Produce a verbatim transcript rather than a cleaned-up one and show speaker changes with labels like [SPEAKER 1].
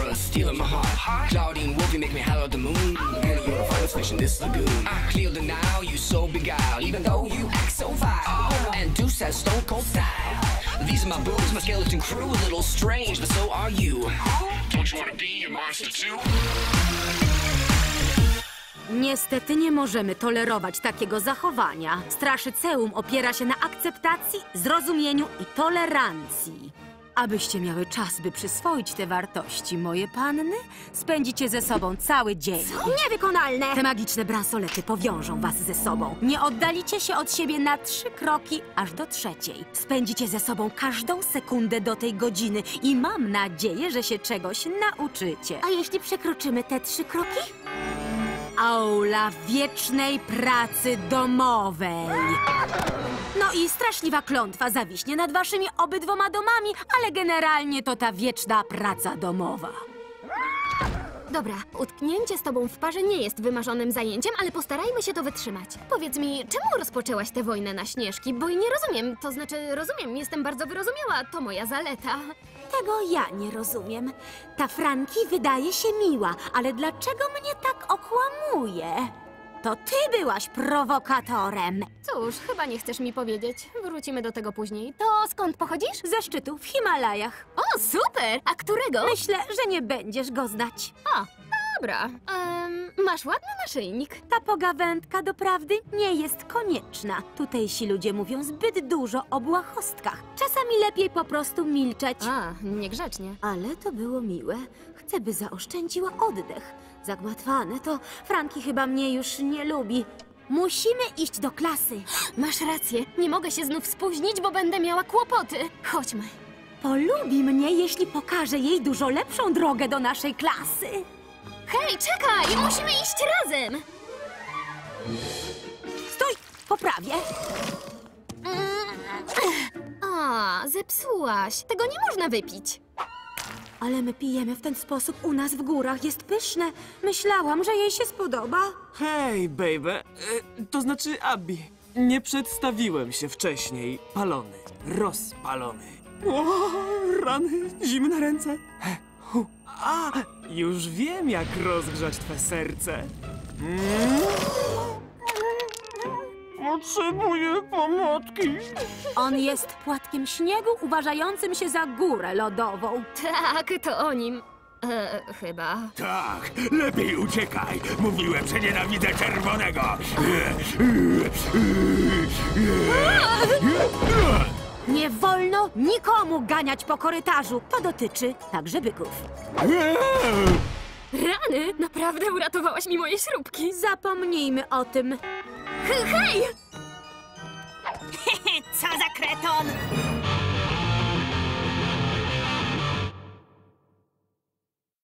[SPEAKER 1] uh, stealing my heart. Claudine Wolf, you make me holler at the moon. Girl, you're the finest fish in this lagoon. I clear the now, you so beguiled, even though you act so vile. And Deuce has stone cold style. These are my boobs, my skeleton crew, a little strange, but so are you. Don't you wanna be a monster too?
[SPEAKER 2] Niestety nie możemy tolerować takiego zachowania. Straszyceum opiera się na akceptacji, zrozumieniu i tolerancji. Abyście miały czas, by przyswoić te wartości, moje panny, spędzicie ze sobą cały dzień.
[SPEAKER 3] Co? Niewykonalne!
[SPEAKER 2] Te magiczne bransolety powiążą was ze sobą. Nie oddalicie się od siebie na trzy kroki, aż do trzeciej. Spędzicie ze sobą każdą sekundę do tej godziny i mam nadzieję, że się czegoś nauczycie.
[SPEAKER 3] A jeśli przekroczymy te trzy kroki?
[SPEAKER 2] Aula wiecznej pracy domowej. No i straszliwa klątwa zawiśnie nad waszymi obydwoma domami, ale generalnie to ta wieczna praca domowa.
[SPEAKER 3] Dobra, utknięcie z tobą w parze nie jest wymarzonym zajęciem, ale postarajmy się to wytrzymać. Powiedz mi, czemu rozpoczęłaś tę wojnę na Śnieżki? Bo nie rozumiem, to znaczy rozumiem, jestem bardzo wyrozumiała, to moja zaleta.
[SPEAKER 2] Tego ja nie rozumiem. Ta Franki wydaje się miła, ale dlaczego mnie tak okłamuje? To ty byłaś prowokatorem.
[SPEAKER 3] Cóż, chyba nie chcesz mi powiedzieć. Wrócimy do tego później. To skąd pochodzisz?
[SPEAKER 2] Ze szczytu w Himalajach.
[SPEAKER 3] O, super! A którego?
[SPEAKER 2] Myślę, że nie będziesz go znać.
[SPEAKER 3] A, dobra. Um, masz ładny naszyjnik.
[SPEAKER 2] Ta pogawędka doprawdy nie jest konieczna. Tutejsi ludzie mówią zbyt dużo o błahostkach. Czasami lepiej po prostu milczeć.
[SPEAKER 3] A, niegrzecznie.
[SPEAKER 2] Ale to było miłe. Chcę, by zaoszczędziła oddech. Zagmatwane to Franki chyba mnie już nie lubi. Musimy iść do klasy.
[SPEAKER 3] Masz rację. Nie mogę się znów spóźnić, bo będę miała kłopoty. Chodźmy.
[SPEAKER 2] Polubi mnie, jeśli pokażę jej dużo lepszą drogę do naszej klasy.
[SPEAKER 3] Hej, czekaj! Musimy iść razem!
[SPEAKER 2] Stój! Poprawię.
[SPEAKER 3] A, zepsułaś. Tego nie można wypić.
[SPEAKER 2] Ale my pijemy w ten sposób u nas w górach. Jest pyszne. Myślałam, że jej się spodoba.
[SPEAKER 4] Hej, baby. E, to znaczy Abby. Nie przedstawiłem się wcześniej. Palony. Rozpalony. O, rany. Zimne ręce. He, hu. A, już wiem, jak rozgrzać twe serce. Mm. Potrzebuję pomocy.
[SPEAKER 2] On jest płatkiem śniegu uważającym się za górę lodową.
[SPEAKER 3] Tak, to o nim. E, chyba.
[SPEAKER 5] Tak, lepiej uciekaj. Mówiłem, że nienawidzę czerwonego.
[SPEAKER 2] Nie wolno nikomu ganiać po korytarzu. To dotyczy także byków.
[SPEAKER 3] Rany! Naprawdę uratowałaś mi moje śrubki.
[SPEAKER 2] Zapomnijmy o tym.
[SPEAKER 3] Hej!
[SPEAKER 6] Co za kreton!